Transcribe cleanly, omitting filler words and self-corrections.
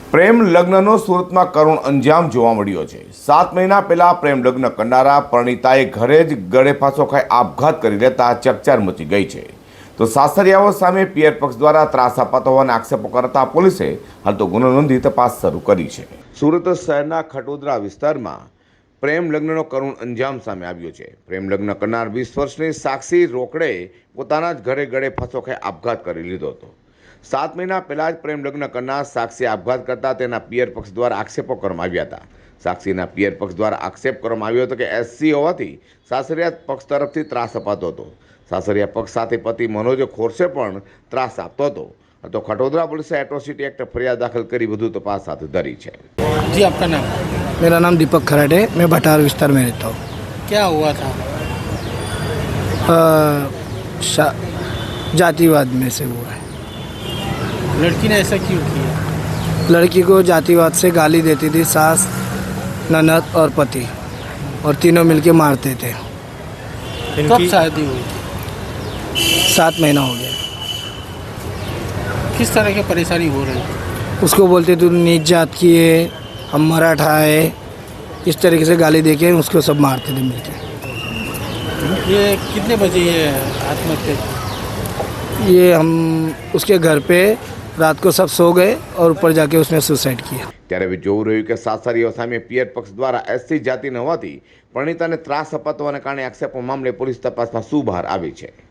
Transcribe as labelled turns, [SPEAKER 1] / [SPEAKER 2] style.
[SPEAKER 1] પ્રેમ લગ્નનો સુરતમાં કરુણ અંજામ જોવા મળ્યો છે। 7 મહિના પહેલા પ્રેમ લગ્ન કરનારા પરિણીતાએ ઘરે જ ગળે ફાંસો ખાઈ આપઘાત કરી લેતા ચકચાર મચી ગઈ છે। તો સાસરિયાઓ સામે પિયર પક્ષ દ્વારા ત્રાસ અપાતો હોવાના આક્ષેપો કરતા પોલીસે હાલ તો ગુનો નોંધી તપાસ શરૂ કરી છે। સુરત શહેરના ખટોદરા વિસ્તારમાં પ્રેમ લગ્નનો કરુણ અંજામ સામે આવ્યો છે। પ્રેમ લગ્ન કરનાર 20 વર્ષની સાક્ષી રોકડે પોતાના જ ઘરે ગળે ફાંસો ખાઈ આપઘાત કરી લીધો હતો। 7 મહિના પહેલા જ પ્રેમ લગ્ન કરનાર સાક્ષી આપઘાત કરતા તેના પિયર પક્ષ દ્વારા આક્ષેપો કરવામાં આવ્યા હતા। સાક્ષીના પિયર પક્ષ દ્વારા આક્ષેપ કરવામાં આવ્યો હતો કે એસસી હોવાથી સાસરિયા પક્ષ તરફથી ત્રાસ અપાતો હતો। સાસરિયા પક્ષ સાથે પતિ મનોજ ખોરસે પણ ત્રાસ આપતો હતો। तो खटोदरा पुलिस एट्रोसिटी एक्ट फरियाद दाखिल करी વધુ तपास हाथ धरी है।
[SPEAKER 2] जी आपका नाम?
[SPEAKER 3] मेरा नाम दीपक खराटे, मैं भटार विस्तार में रहता हूँ।
[SPEAKER 2] क्या हुआ था?
[SPEAKER 3] जातिवाद में से हुआ है।
[SPEAKER 2] लड़की ने ऐसा क्यों किया?
[SPEAKER 3] लड़की को जातिवाद से गाली देती थी सास, ननद और पति, और तीनों मिलके मारते थे।
[SPEAKER 2] कब शादी हुई?
[SPEAKER 3] 7 महीना हो गया।
[SPEAKER 2] किस तरह की परेशानी हो रही?
[SPEAKER 3] उसको बोलते तू नीच जात की है, हम मराठा है, इस तरीके से गाली दे के उसको सब मारते थे मिलके।
[SPEAKER 2] ये कितने बजे ये आत्महत्या की?
[SPEAKER 3] ये हम उसके घर पे रात को सब सो गए और ऊपर जाके उसने सुसाइड किया।
[SPEAKER 1] ત્યારે હવે જોવું રહ્યું કે સાસરીઓ સામે પિયર પક્ષ દ્વારા એસસી જાતિ ન હોવાથી પરિણીતાને ત્રાસ અપાતો હોવાને કારણે આક્ષેપો મામલે પોલીસ તપાસમાં શું બહાર આવી છે।